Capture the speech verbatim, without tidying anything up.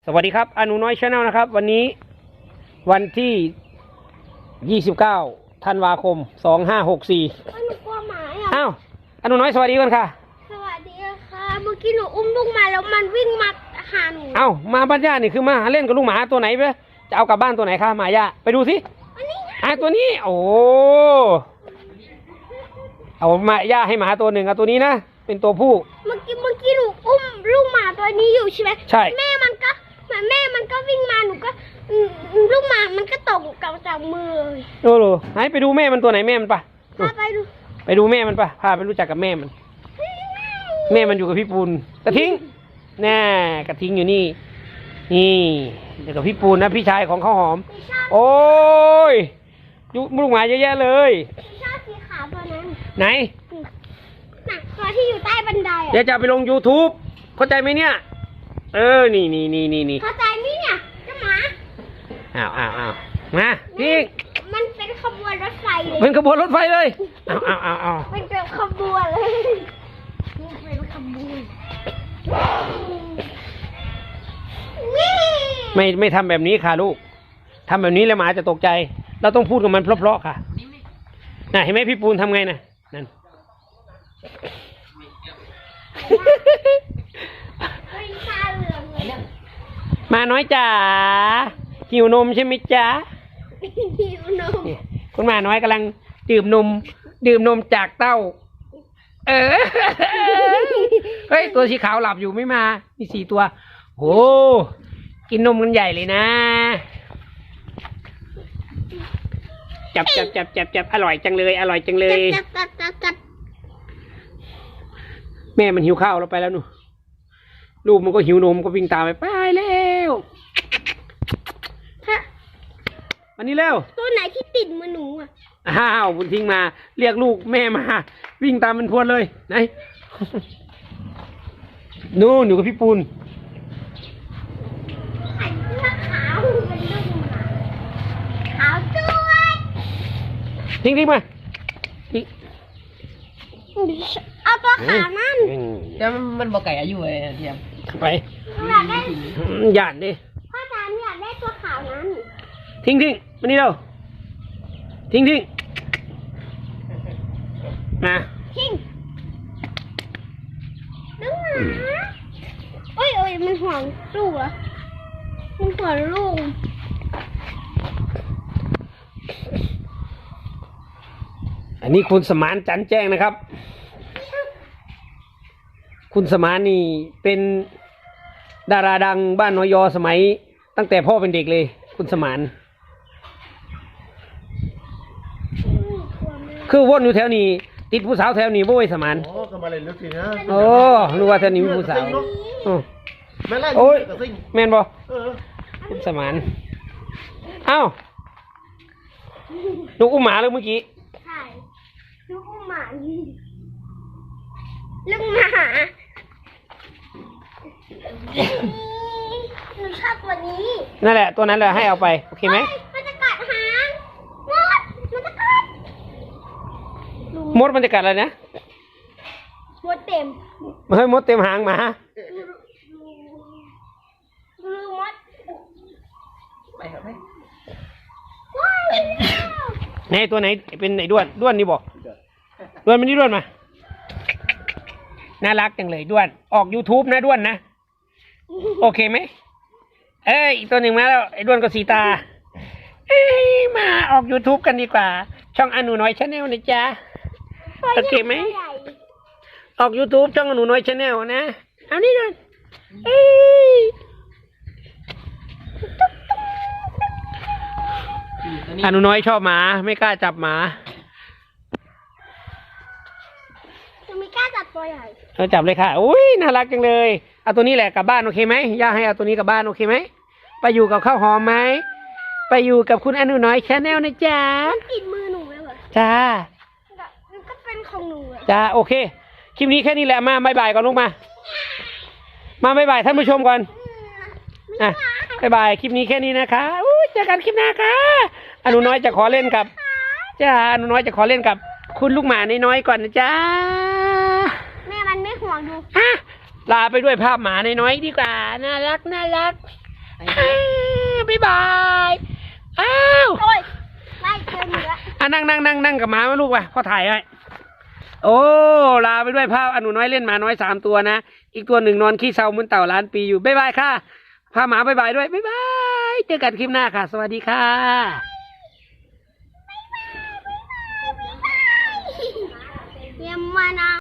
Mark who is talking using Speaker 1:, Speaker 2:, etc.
Speaker 1: สวัสดีครับอนุน้อยชาแนลนะครับวันนี้วันที่ยี่สิบเก้าธันวาคมสองห้าหกสี่
Speaker 2: หนูกลัวหมาอ่ะ
Speaker 1: อ้าวอนุน้อยสวัสดีกันค่ะ
Speaker 2: สวัสดีค่ะเมื่อกี้หนูอุ้มลูกมาแล้วมันวิ่งมาหาหนู
Speaker 1: อ้าวมาบ้านย่านี่คือมาเล่นกับลูกหมาตัวไหนไปจะเอากลับบ้านตัวไหนคะหมาย่าไปดูสิอ่ะตัวนี้โอ้เอามาย่าให้หมาตัวหนึ่งเอาตัวนี้นะเป็นตัวผู้
Speaker 2: เมื่อกี้เมื่อกี้หนูอุ้มลูกหมาตัวนี้อยู่ใช่ไหม
Speaker 1: ใช่
Speaker 2: แม่มันก็แม่มันก็วิ่งมาหนูก็ลูกหมามันก็ตกกับจากมือเลย
Speaker 1: โอ้โหไหนไปดูแม่มันตัวไหนแม่มันปะ
Speaker 2: พาไปดู
Speaker 1: ไปดูแม่มันปะพาไปรู้จักกับแม่มันแม่มันอยู่กับพี่ปูนกระทิงแน่กระทิงอยู่นี่นี่เดี๋ยวกับพี่ปูนนะพี่ชายของข้าวหอมโอ้ยยุลูกหมาเยอะแยะเลย
Speaker 2: ชอบสีขาวตัวนั้น
Speaker 1: ไหน
Speaker 2: น่ะตัวที่อยู่ใต้บันไดอ่ะ
Speaker 1: เดี๋ยวจะไปลง ยูทูบ เข้าใจไหมเนี่ยเออนี่นี่นี่นี่นี่
Speaker 2: เข้าใจไหมเนี่ยเจ้าหมา
Speaker 1: อ้าวอ้าวอ้าวมาพี่
Speaker 2: มันเป็นขบวนรถไฟเลย
Speaker 1: เป็นขบวนรถไฟเลยอ้าวอ้าวอ้าวอ้าว
Speaker 2: เป็นขบวนเลยเป็นขบวน
Speaker 1: ไม่ไม่ทำแบบนี้ค่ะลูกทำแบบนี้แล้วหมาจะตกใจเราต้องพูดกับมันเพราะๆค่ะน่ะเห็นไหมพี่ปูนทำไงน่ะนั่นมาน้อยจ๋าหิวนมใช่ไหมจ๊ะ
Speaker 2: หิวนม
Speaker 1: คุณมาน้อยกำลังดื่มนมดื่มนมจากเต้าเออเฮ้ยตัวสีขาวหลับอยู่ไม่มามีสี่ตัวโอ้กินนมกันใหญ่เลยนะจับจับจับจับจับอร่อยจังเลยอร่อยจังเลย
Speaker 2: จับจับจับจับ
Speaker 1: แม่มันหิวข้าวเราไปแล้วหนูลูกมันก็หิวนมก็วิ่งตามไปไปแล้วอันนี้แล้ว
Speaker 2: ตัวไหนที่ติดมือหนูอ่ะ
Speaker 1: อ้าวบุญทิ้งมาเรียกลูกแม่มาวิ่งตามมันพรวดเลยไหนนู่นอยู่กับพี่ปูน
Speaker 2: ขาวเป็นลูกหมาขาวด้วย
Speaker 1: ทิ้งทิ้งมา
Speaker 2: เอาตัวขาวนั่น
Speaker 3: แต่มันบอกไก่อายุเลยเทียม
Speaker 1: ไป
Speaker 2: อยากได้
Speaker 1: หยาดดิ
Speaker 2: พ่อจ๋าอยากได้ตัวขาวนั้น
Speaker 1: ทิ้งทิ้งมานี่เร็วทิ้งทิ้งมา
Speaker 2: ทิ้งลูกหมาโอ้ยโอ้ยมันห่วงลูกเหรอมันห่วงลูก
Speaker 1: อันนี้คุณสมานจันแจ้งนะครับคุณสมานนี่เป็นดาราดังบ้านนอยอสมัยตั้งแต่พ่อเป็นเด็กเลยคุณสมานคือวนอยู่แถวนี้ติดผู้สาวแถวนี้บ่อยสมาน
Speaker 4: โอ้ก็มาเลยลึกสินะ
Speaker 1: โอ้รู้ว่าแถวนี้มีผู้สาว
Speaker 4: โอ้ย
Speaker 1: แม่นบ่คุณสมานเอ้าลูกอุ้มหมาเลยเมื่อกี้
Speaker 2: ใช่ลูกอุ้มหมาลูกหมาหนูชอบตัวนี้
Speaker 1: นั่นแหละตัวนั้นแหละให้เอาไปโอเคไหม
Speaker 2: มันจะกัดหางมดมันจะกัด
Speaker 1: มดมันจะกัดอะไรนะ
Speaker 2: มดเต็ม
Speaker 1: เฮ้ยมดเต็มหางหมา
Speaker 2: ดูมด
Speaker 3: ไปครับไหม
Speaker 1: ในตัวไหนเป็นไหนด้วนด้วนนี่บอกด้วนมันนี่ด้วนมาน่ารักจังเลยด้วนออก ยูทูบ นะด้วนนะโอเคไหมเอ้ยอีกตัวหนึ่งมาแล้วไอ้ด้วนก็สีตาเอ้ยมาออก ยูทูบ กันดีกว่าช่องอนุน้อยชาแนลนะจ๊ะโอเคไหมออก ยูทูบ ช่องอนุน้อยชาแนลนะเอานี่ด้วนเอ้ยอนุน้อยชอบหมาไม่กล้าจับหมา
Speaker 2: จะไม่กล้าจับตัวใหญ่
Speaker 1: เราจับเลยค่ะอุ้ยน่ารักจังเลยเอาตัวนี้แหละกลับบ้านโอเคไหมย่าให้เอาตัวนี้กลับบ้านโอเคไหมไปอยู่กับข้าวหอมไหมไปอยู่กับคุณอนุน้อยชาแนลนะจ๊ะ
Speaker 2: ติดมือหนูเลยเหรอ
Speaker 1: จ้า
Speaker 2: มันก็เป็นของหนู
Speaker 1: จ้าโอเคคลิปนี้แค่นี้แหละมาบายบายก่อนลูกมามาบายบายท่านผู้ชมก่อนอ่ะบายบายคลิปนี้แค่นี้นะคะอู้เจอกันคลิปหน้าค่ะอนุน้อยจะขอเล่นกับจ้าอนุน้อยจะขอเล่นกับคุณลูกหมาน้อยๆก่อนนะจ๊ะ
Speaker 2: แม่มันไม่ห่วงดู
Speaker 1: อ่ะลาไปด้วยภาพหมาน้อยๆดีกว่าน่ารักน่ารักอ้าวบ๊ายบายอ้าว
Speaker 2: โอ้ยไล่เจอเหนือ
Speaker 1: อ่ะนั่งนั่งนั่งนั่งกับหมาไหมลูกวะพ่อถ่ายให้โอ้ลาไปด้วยภาพอนุน้อยเล่นหมาน้อยสามตัวนะอีกตัวหนึ่งนอนขี้เศร้าเหมือนเต่าล้านปีอยู่บ๊ายบายค่ะพาหมาบ๊ายบายด้วยบ๊ายบายเจอกันคลิปหน้าค่ะ สวัสดีค่ะ
Speaker 2: เยี่ยมมานะ